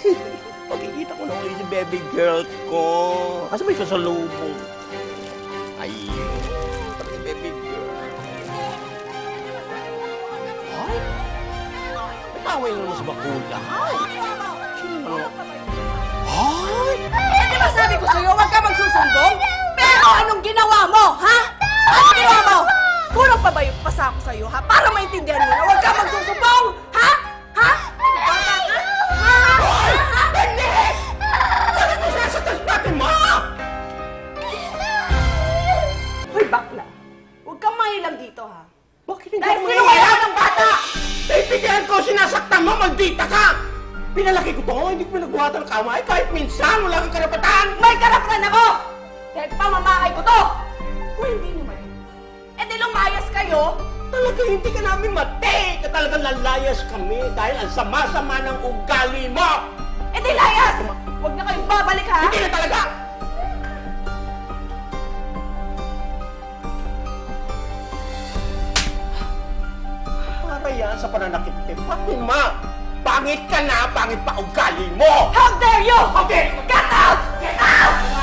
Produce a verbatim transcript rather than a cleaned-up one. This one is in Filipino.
Pagkikita ko na ulit si baby girl ko. Kasi may kasalubong. Ayun. Si baby girl. Ay? Nataway na naman sa bakula. Ay! Sino? Ay! Eh, di ba sabi ko sa'yo, huwag ka magsusumbong? Pero anong ginawa mo, ha? Anong ginawa mo? Kulang pa ba yung pasa ko sa'yo, ha? Para maintindihan mo na huwag ka magsusumbong, ha? Ha? Bata ka? Ha? Ha? Dennis! Bakit mo sinasaktan sa natin, ma? Hoy, bakla. Huwag kang mahilang dito, ha? Bakit hindi Dahil mo sinuwala ng bata! Bibigyan ko, sinasaktan mo, maldita ka! Pinalaki ko to, hindi ko pinagbuhatan ng kamay. Kahit minsan, wala kang karapatan! May karapatan ako! Dahil pamamahay ko to! Kung hindi naman, eh di lumayas kayo! Talaga hindi ka namin mati! Ka talagang lalayas kami dahil ang sama-sama ng ugali mo! Eh di layas! Huwag na kayong babalik, ha? Hindi na talaga! Para yan sa pananakit ni Fatima! Pangit ka na, pangit pa ugali mo! How dare you! Okay! Get out! Get out!